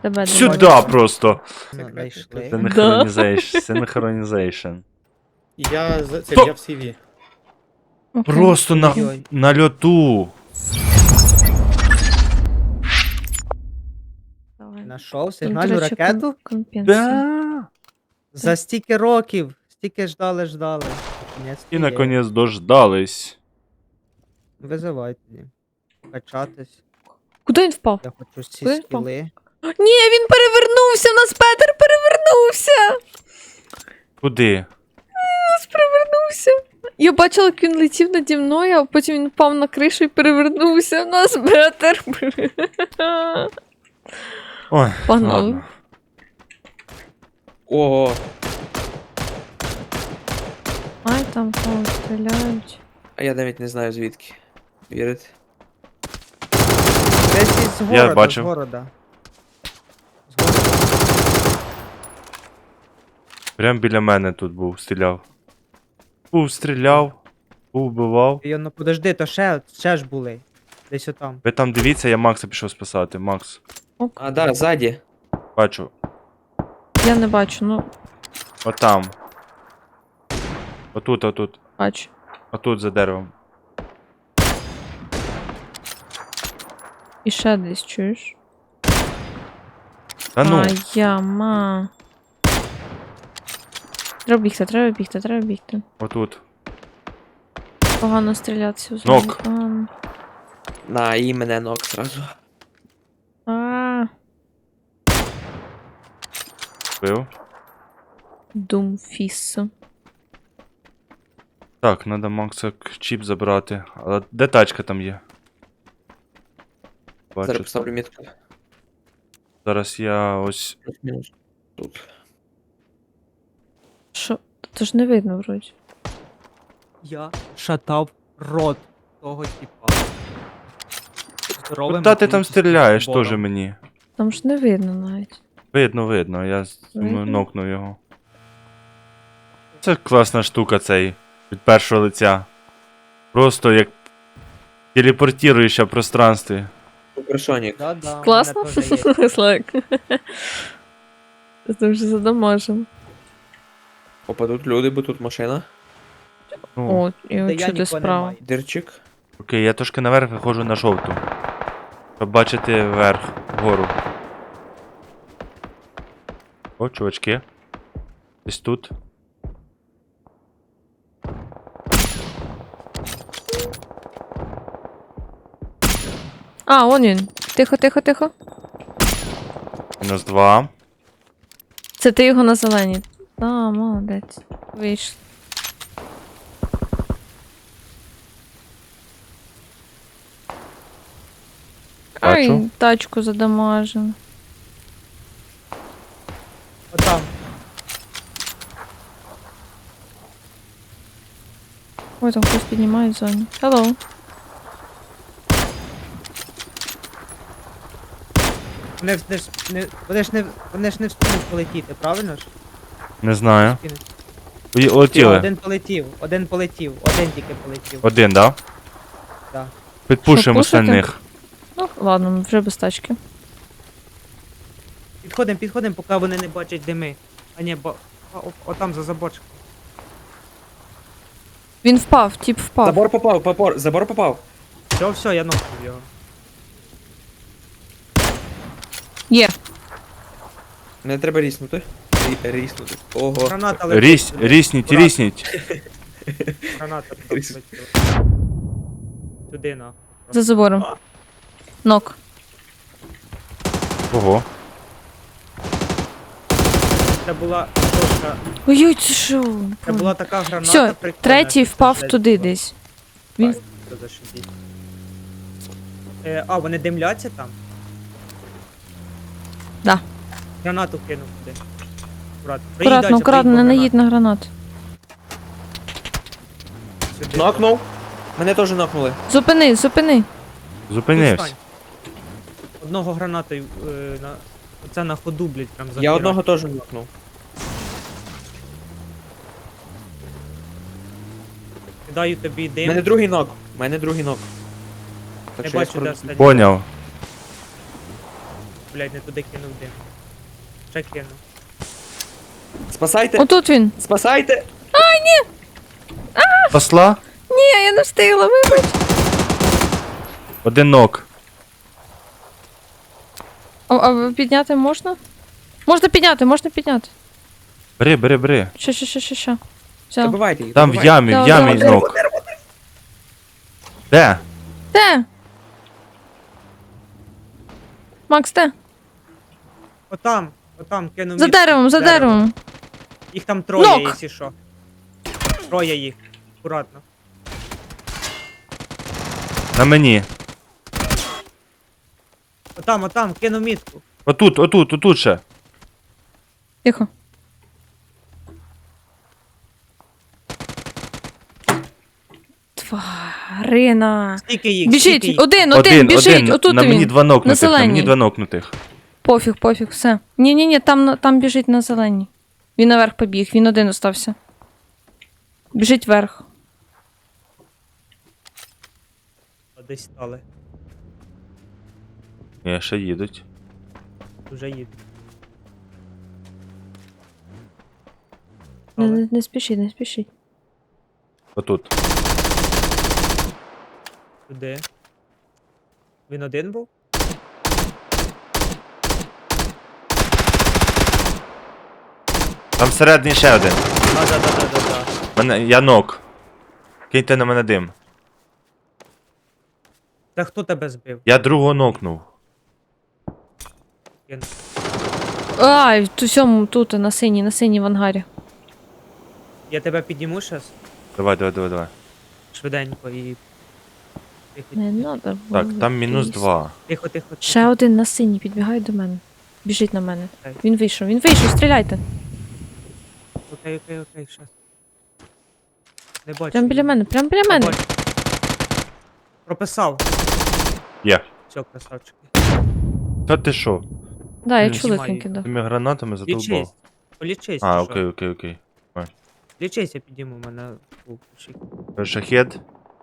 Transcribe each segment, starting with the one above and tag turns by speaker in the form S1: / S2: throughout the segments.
S1: Тебе
S2: Сюда просто.
S3: Знайшли.
S2: Синхронізейшн.
S3: Я це
S2: Стоп!
S3: я в CV.
S1: Окей.
S2: Просто
S3: Ой-ой.
S2: на льоту.
S1: Давай.
S3: Знайшов
S1: Тут,
S3: сигнальну
S1: до речі,
S3: ракету.
S1: компенсація.
S2: Да.
S3: За стільки років. Стільки ждали. Наконець
S2: І наконець дождались.
S3: Визивай тоді. Качатись.
S1: Куди він впав?
S3: Я хочу ці
S1: Куди він впав?
S3: скіли.
S1: Ні, він перевернувся! У нас Петер перевернувся!
S2: Куди?
S1: Перевернувся. Я бачила, як він летів наді мною, а потім він впав на кришу і перевернувся. У нас Петер.
S2: Ой,
S1: Погнали.
S2: ладно.
S4: Ого.
S1: Ай, там кого стріляють.
S4: А я навіть не знаю звідки. Вірить.
S3: Десь із города,
S2: бачив.
S3: з города.
S2: Прям біля мене тут був, стріляв. Стріляв, вбивав.
S3: Ну подожди, то ще ж були. Десь отам.
S2: Ви там дивіться, я Макса пішов спасати. Макс,
S4: А, да, ззаді.
S2: бачу.
S1: Я не бачу, ну
S2: Отам. Отут.
S1: бачу.
S2: Отут за деревом.
S1: І ще десь чуєш?
S2: Та ну,
S1: Яма. Треба бігти.
S2: отут.
S1: Погано стрілятися в
S2: Нок.
S1: зоні. Погано.
S4: На, і мене ног зразу.
S2: Бив.
S1: Думфіс.
S2: Так, треба Макса чіп забрати. Але де тачка там є?
S4: Зараз
S2: Бачу.
S4: поставлю мітку.
S2: Зараз я ось.
S4: Плюс-мінус. Тут.
S1: Що? То ж не видно вроді.
S3: Я шатав рот того типа. Здоровим.
S2: Куда ти там стріляєш
S3: бором.
S2: теж мені?
S1: Там ж не видно навіть.
S2: Видно, я
S1: Видно?
S2: нокнув його. Це класна штука цей. Від першого лиця. Просто як телепортуєшся в пространстві.
S4: Суперсонік.
S3: Да,
S1: Класно?
S3: у мене теж є.
S1: Слайк. Це вже задамажем.
S4: Опа, тут люди, бо тут машина.
S2: Ну,
S1: О, і
S3: Та я
S1: от сюди
S3: нікого
S1: справа.
S3: немає.
S4: Дирчик.
S2: окей, я трошки наверх виходжу на жовту. Щоб бачити вверх, вгору. О, чувачки. Десь тут.
S1: А, вон він. Тихо.
S2: Мінус 2.
S1: Це ти його на зелені. А, молодець. Вийшло. Ай,
S2: Бачу.
S1: тачку задамажено.
S3: Отам.
S1: Ой, там хтось піднімає в зоні. Hello.
S3: Вони ж не встигнуть полетіти, правильно ж?
S2: Не знаю.
S3: Встигнуть.
S2: Летіли.
S3: Один полетів, один тільки полетів.
S2: Один, да?
S3: Да.
S2: Підпушуємо
S1: Що, пушити?
S2: остальних.
S1: Ну, ладно, вже без тачки.
S3: Підходимо, поки вони не бачать дими. А ні, отам за заборчиком.
S1: Він впав, тіп впав.
S4: Забор попав.
S3: Все, я нокнув його.
S1: Є.
S4: Мене треба ріснути. Ріснути. Ого.
S3: Граната летить.
S2: Рісніть.
S3: Граната туди полетіла. Сюди на.
S1: За забором. Нок.
S2: Ого.
S3: Це була точка.
S1: Ой-ой, це що?
S3: Це була така граната.
S1: Все,
S3: прикольна,
S1: третій
S3: що
S1: впав
S3: це
S1: туди
S3: було.
S1: десь. Він
S3: Це зашибіть. А, вони димляться там?
S1: Да.
S3: Гранату кинув туди.
S1: акуратно, не наїдь на гранат.
S4: Нокнув. Мене теж нокнули.
S1: Зупини.
S2: Зупинився.
S3: Одного гранатою оце на ходу, блядь, прям
S4: Я
S3: захерачив.
S4: одного теж нокнув.
S3: Кидаю тобі дим.
S4: Мене другий нок. Так
S3: Не
S4: що я
S3: бачу, де
S4: скоро...
S3: останній.
S2: Поняв.
S3: блядь, не туди кинув дим. Ще кинув.
S4: Спасайте!
S1: Отут він.
S4: Спасайте!
S2: Посла?
S1: Ні, я не встигла, вибач.
S2: Один нок.
S1: А підняти можна? Можна підняти.
S2: Бери.
S1: Що. Все.
S4: Добивайте їх,
S2: Там в
S4: добивайте.
S2: ямі, в
S1: Давай,
S2: ямі
S1: давай.
S2: нок. Де?
S1: Де? Макс, де?
S3: Отам кинув
S1: За
S3: мітку.
S1: деревом, за
S3: Дерево.
S1: деревом.
S3: Їх там троє,
S1: Нок!
S3: якщо що. Троє їх. Акуратно.
S2: На мені.
S3: Отам, кинув мітку.
S2: Отут ще.
S1: Тихо. Тварина.
S3: Скільки їх?
S1: Біжить,
S3: скільки їх?
S1: один, біжить, отут
S2: на мені
S1: він.
S2: два нокнутих, на мені
S1: зеленій.
S2: два нокнутих.
S1: Пофіг, все. Ні, там біжить на зеленій. Він наверх побіг, він один остався. Біжить вверх.
S3: Десь стали.
S2: Ні, ще їдуть.
S3: Вже їдуть.
S1: Не спішіть.
S2: Отут.
S3: Туди. Він один був?
S2: Там всередині ще один.
S3: Да.
S2: Я нок. Киньте на мене дим.
S3: Та хто тебе збив?
S2: Я другого нокнув.
S1: Ай, тут, на синій в ангарі.
S3: Я тебе підніму щас?
S2: Давай.
S3: Швиденько і... Тихо,
S1: Не надо.
S2: Так, там мінус 2.
S3: тихо.
S1: Ще один на синій підбігає до мене. Біжить на мене.
S3: Окей.
S1: Він вийшов, стріляйте.
S3: Окей, щас. Не бачу.
S1: Прям біля мене.
S3: Бачу. Прописав.
S2: Є.
S3: Все, красавчики.
S2: Та ти що?
S1: Да, я
S2: Блін,
S1: чула,
S3: знімаю
S1: як він кидав.
S2: Тими гранатами задовбав.
S3: Лічись. Полічись.
S2: А,
S3: чи що?
S2: окей.
S3: Лічись, я підніму мене у пушик.
S2: Шахет.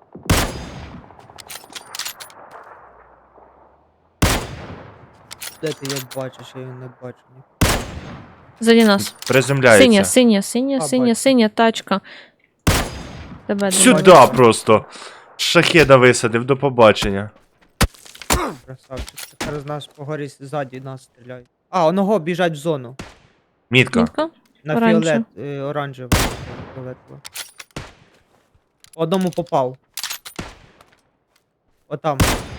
S3: Де ти його бачиш, я його не бачу.
S1: Ззаді нас.
S2: Приземляється.
S1: Синя тачка. Тебе
S2: Сюда просто. Шахеда висадив, до побачення.
S3: Красавчик. Тепер з нас по горі ззаді нас стріляють. А, оного біжать в зону.
S2: Мітка.
S1: Мітка?
S3: На
S1: Оранжево.
S3: оранжево. Фіолетово. Одному попав. Отам,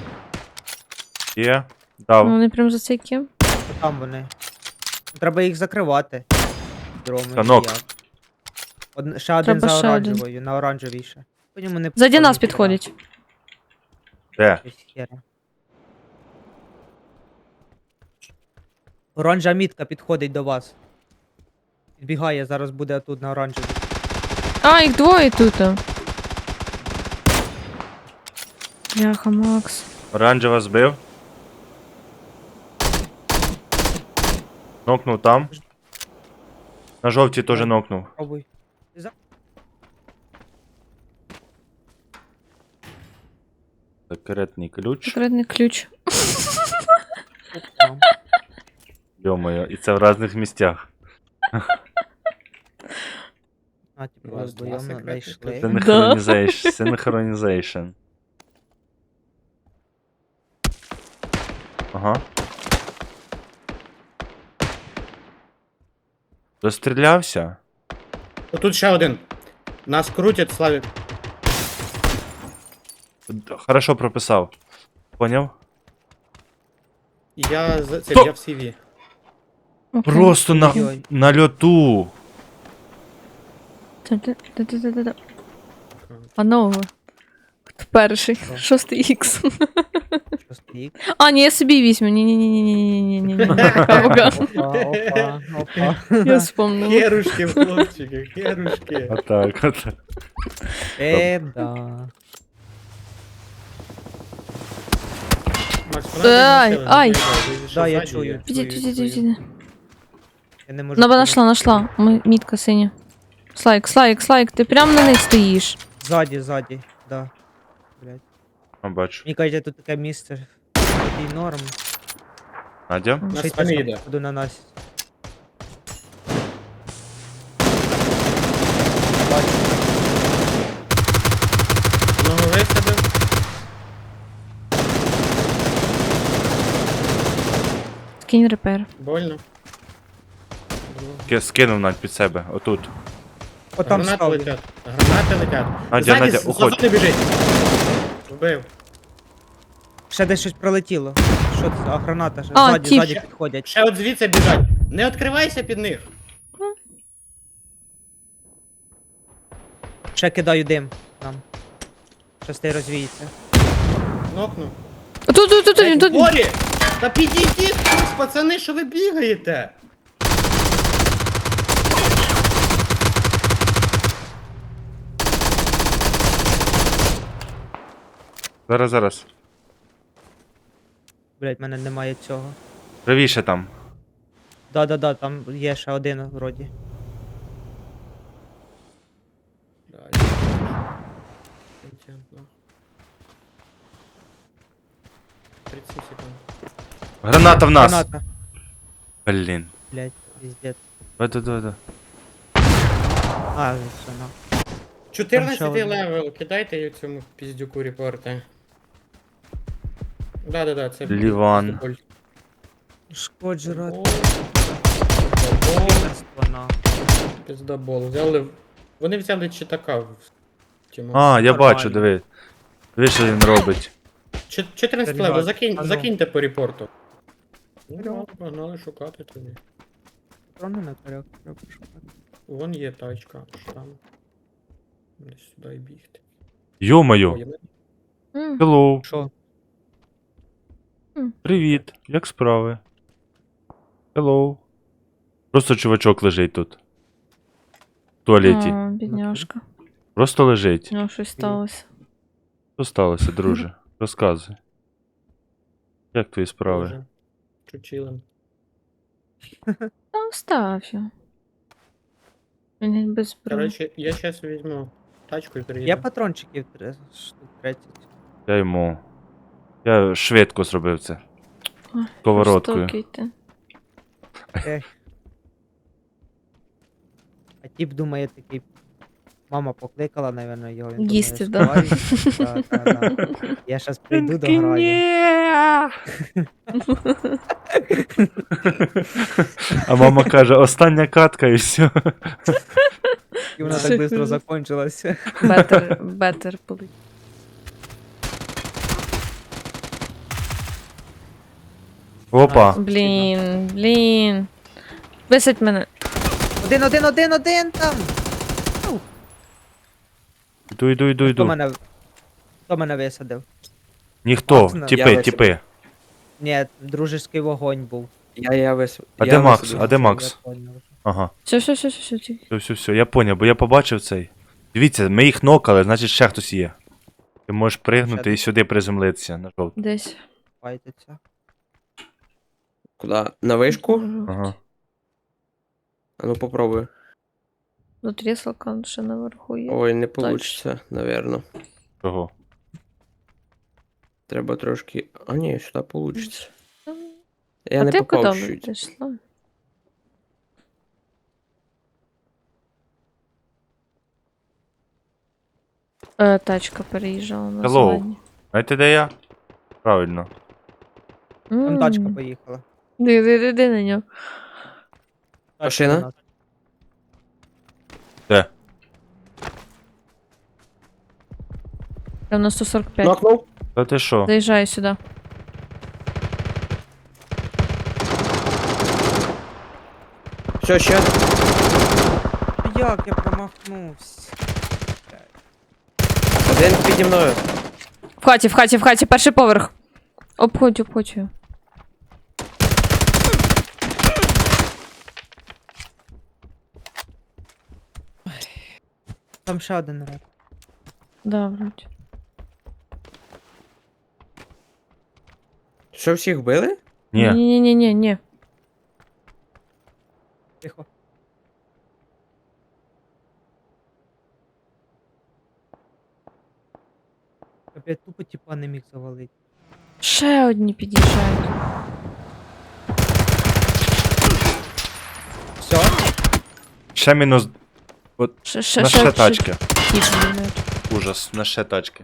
S2: Є. Дав.
S1: Ну, вони прям за цей ким.
S3: отам вони. Треба їх закривати. Дроми.
S2: Танок.
S3: як. Ще один
S1: Треба
S3: за
S1: ще
S3: оранжевою, на оранжевій ще. По ньому не
S1: Ззаді нас
S3: підходить.
S1: підходять.
S2: Де?
S3: Щось хера. Оранжа мітка підходить до вас. Підбігає, зараз буде тут на оранжевій.
S1: А, їх двоє тут. Бляха, Макс.
S2: Оранжева збив. Нокнув там. На жовтій теж нокнув.
S3: Пробуй.
S2: Секретний ключ.
S1: Секретний ключ.
S3: Там.
S2: Йо-моє, і це в різних місцях.
S3: А, типу,
S4: Раз, два,
S3: вдвоєм
S4: секретний
S3: знайшли.
S2: Синхронізейшн. Синхронізейшн. Ага. Дострілявся?
S5: Тут ще один. Нас крутять, Славік.
S2: Хорошо прописав. Поняв?
S5: Я з це
S2: То-
S5: я в CV.
S1: Окей.
S2: Просто
S3: Ой-ой.
S2: на льоту.
S1: Та-та-та-та-та-та. Панове. Хто перший? 6х.
S3: Що стоїть?
S1: А, ні, я собі візьму. Ні.
S3: Опа.
S1: Я вспомнила.
S5: Херушки, хлопчики, херушки.
S2: Отак.
S3: Да.
S5: Макс,
S1: Ай, ай.
S3: Да, я чую.
S1: Піди.
S3: Я не можу.
S1: Нашла. Мітка синя. Слайк, ти прям на них стоїш.
S3: Ззаді, да. Блять.
S2: Бачу.
S3: Мені кажуть, тут таке місце. Такий норм.
S2: Надя?
S5: На
S3: Ще й
S5: спині
S3: тачка,
S5: йде.
S3: походу, на нас. Бачу.
S5: Одного висадив.
S1: Скинь репер.
S5: Больно.
S2: Скинув Надь під себе, отут.
S3: О, там
S5: Гранати
S3: став.
S5: летять. Гранати летять.
S2: Надя,
S5: Ззаді
S2: Надя,
S5: з
S2: уходь.
S5: зони біжить. Вбив.
S3: Ще десь щось пролетіло. Що це? А, граната ще.
S1: А,
S3: Ззаді,
S1: тіп.
S3: ззаді підходять.
S5: Ще от звідси біжать. Не відкривайся під них.
S3: Ще кидаю дим нам. Щас той розвіється.
S5: Нокну.
S1: Тут, він, тут. він.
S5: Борі! Та підійдіть, хтось, пацани, що ви бігаєте?
S2: Зараз.
S3: Блять, в мене немає цього.
S2: Правіше там.
S3: Да, там є ще один вроді.
S5: Ну. 30 секунд.
S2: Граната в нас!
S3: Граната.
S2: Блін.
S3: Блять, піздець.
S2: Да.
S3: А, все, на.
S5: 14
S3: Там ще
S5: левел, кидайте її цьому піздюку репорти. Да, це
S2: Ліван.
S5: піздоболь.
S3: Шкоджера.
S5: Піздобол.
S3: Піздерство, на.
S5: Піздобол. Вони взяли читака в тіму.
S2: А, я
S3: Нормально.
S2: бачу, диви. Диви, що він робить.
S5: 14
S3: Перебігай.
S5: левел,
S3: А ну.
S5: закиньте по репорту. Ну,
S3: Вперед.
S5: погнали шукати тоді.
S3: Патрони на коряк треба шукати.
S5: Вон є тачка, аж там. Десь сюди і бігти.
S2: Йо-моє.
S5: Ой,
S1: М.
S2: Hello.
S3: Що?
S2: Привіт. Як справи? Hello. Просто чувачок лежить тут. В туалеті.
S1: О, бідняшка.
S2: Просто лежить.
S1: У нього щось сталося.
S2: Що сталося, друже? Розказуй. Як твої справи?
S5: Боже. Чучилим.
S1: Та остав його. Він без зброї.
S5: Короче, я сейчас візьму тачку і приїду.
S3: Є патрончиків штук 30.
S2: Я швидко зробив це.
S1: Ой,
S2: Сковородкою.
S1: жорстокий ти.
S3: Ех. А тіп думає такий. Мама покликала, напевно, його. Він
S1: Їсти,
S3: думає,
S1: да.
S3: «Вставай». Да. Я щас прийду до граю.
S2: А мама каже, остання катка і все.
S3: І вона так швидко закончилася.
S1: Бетер полить.
S2: Опа.
S1: Блін. Висадь мене.
S3: Один там!
S2: Іду.
S3: Хто мене висадив?
S2: Ніхто.
S3: Макс,
S2: Тіпи.
S3: Ні, дружеський вогонь був.
S4: Я вис...
S2: А
S4: я
S2: де Макс?
S4: висадив.
S2: А де Макс?
S3: Я поняв.
S2: Ага.
S1: Все, тільки.
S2: Все, я поняв, бо я побачив цей. Дивіться, ми їх нокали, значить ще хтось є. Ти можеш пригнути і сюди приземлитися на жовту.
S1: Десь.
S3: Файтиться.
S4: Куди? На вишку?
S2: Ага.
S4: А ну попробуй.
S1: Ну, тріслка ще наверху є.
S4: Ой, не получится, наверно.
S2: Чого?
S4: Треба трошки. А ні, сюди получится.
S1: М.
S4: Я
S1: А
S4: не
S1: ти
S4: попав
S1: куди
S4: чуть.
S1: пішла? Тачка переїжджала на
S2: Hello.
S1: зелені.
S2: Знаєте, де я? Правильно.
S3: Там тачка поїхала.
S1: Диви на нього.
S3: Тачка
S4: Машина?
S3: у нас.
S2: Де?
S1: Прям на 145.
S4: Нокнув?
S2: Та ти що?
S1: Заїжджаю сюди.
S4: Все, ще.
S3: Як я промахнувся?
S4: Один піді мною.
S1: В хаті, перший поверх. Обходь його.
S3: Там ще один реп.
S1: Да, вроді.
S4: Що, всіх вбили?
S2: Ні.
S1: Ні.
S3: Тихо. Я тупо тіпа не міг завалити.
S1: Ще одні під'їжджають.
S2: Ще мінус. На ще тачки.
S1: Хід міняють.
S2: Ужас, на ще тачки.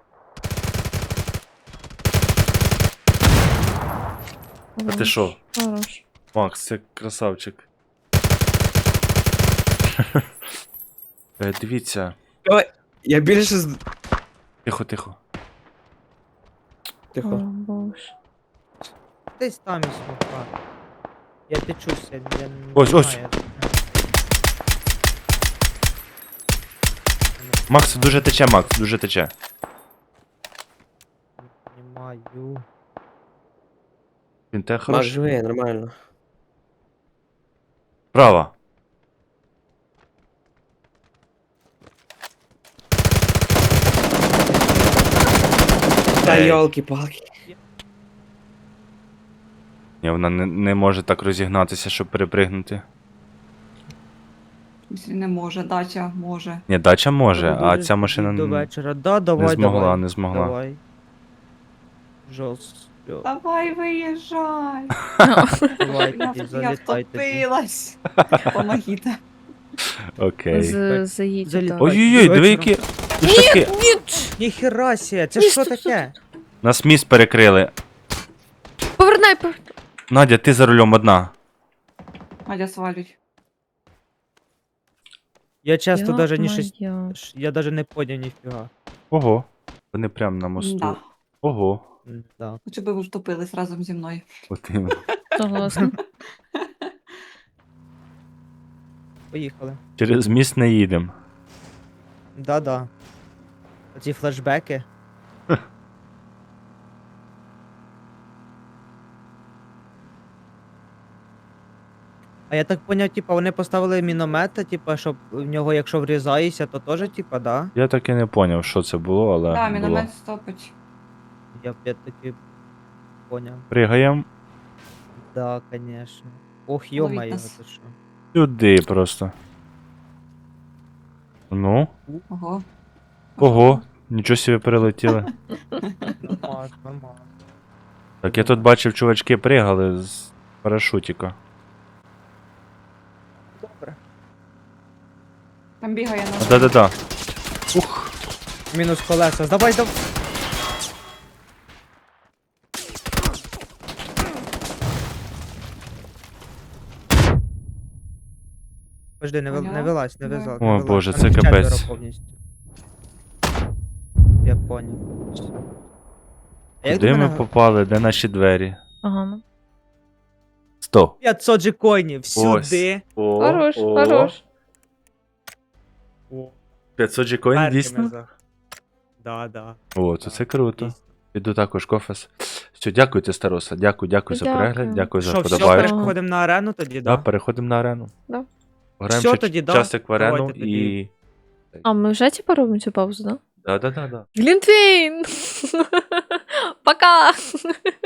S2: А ти що?
S1: Хорош.
S2: Макс, це красавчик. Дивіться.
S4: Давай. Я більше з...
S2: Тихо, тихо.
S1: О,
S4: Тихо.
S1: боже.
S3: Десь там і смока. Я течуся, я не
S2: Ось,
S3: знаю,
S2: ось.
S3: я-
S2: Макс, дуже тече, Макс, дуже тече.
S3: Не маю.
S2: Він те
S4: Маш,
S2: хороший.
S4: живе, нормально.
S2: Права.
S4: Та
S2: Ей.
S4: йолки-палки.
S2: Ні, вона не може так розігнатися, щоб перепригнути.
S6: Якщо не може, дача може.
S2: Ні, дача може,
S3: Треба
S2: а
S3: дуже
S2: ця машина
S3: до
S2: не
S3: вечора. Да, давай,
S2: змогла,
S3: давай.
S2: не змогла.
S3: Давай. Жорстко.
S6: Давай виїжджай.
S3: Давай,
S6: Я,
S3: тоді,
S6: я
S3: залітай тоді.
S6: втопилась. Помогіть.
S2: Окей.
S1: Заїдь.
S3: Залітай.
S1: так.
S2: Ой-ой-ой, диви які літаки.
S3: Ніхера сі, це що таке?
S2: Нас міст перекрили.
S1: Повернай.
S2: Надя, ти за рулем одна.
S6: Надя свалюють.
S3: Я часто даже ні щось...
S1: Ё-моё.
S3: Я даже не поняв ніфіга.
S2: Ого. Вони прям на мосту.
S6: Да.
S2: Ого.
S3: Да.
S6: Хочу би ви втопились разом зі мною.
S2: От іменно.
S1: Согласна.
S3: Поїхали.
S2: Через міст не їдемо.
S3: Да-да. Оці флешбеки. А я так поняв, типа, вони поставили міномета, типа, щоб в нього, якщо врізаєшся, то теж, типа, да?
S2: Я так і не поняв, що це було, але
S6: Так,
S2: було.
S6: міномет стопить.
S3: Я таки поняв.
S2: Пригаємо
S3: Да, конечно. Ох,
S6: Ловіть
S3: ё-моё,
S6: нас.
S3: це що?
S2: сюди просто. Ну,
S6: Ого.
S2: ого, нічого собі перелетіли.
S3: Нормально, нормально.
S2: Так, я тут бачив, чувачки пригали з парашутіка.
S3: Добре.
S6: Там бігає наш.
S2: Да-да-да. Ух.
S3: Мінус колеса. Давай, давай. Подожди, не
S6: Поняла?
S3: вилазь, не
S6: Давай.
S3: вилазь.
S2: О,
S3: не вилазь.
S2: Боже,
S3: Там
S2: це
S3: четверо
S2: капець.
S3: повністю. Я понял. Все. А як
S2: Куди
S3: до
S2: ми
S3: мене
S2: попали? Де наші двері?
S1: Ага, ну.
S2: 100.
S3: 500 джекоїнів сюди.
S2: О,
S1: Хорош, хорош.
S2: 500 джекоїн,
S3: Перки
S2: дійсно?
S3: ми за- Да, да.
S2: О, то це круто.
S3: Дійсно.
S2: Піду також кофес. Все, дякуйте, Староса. Дякую за
S1: Дякую.
S2: перегляд, дякую за
S3: Що, все,
S2: вподобайку.
S3: переходимо на арену тоді,
S2: Да,
S3: да?
S2: переходимо на арену.
S1: Да.
S2: Граємо
S3: Всьо
S2: ще
S3: тоді, да.
S2: часик в арену
S3: Давайте тоді.
S2: і...
S1: А ми вже типа робимо цю паузу, да?
S2: Да-да-да.
S1: Глінтвейн! Пока!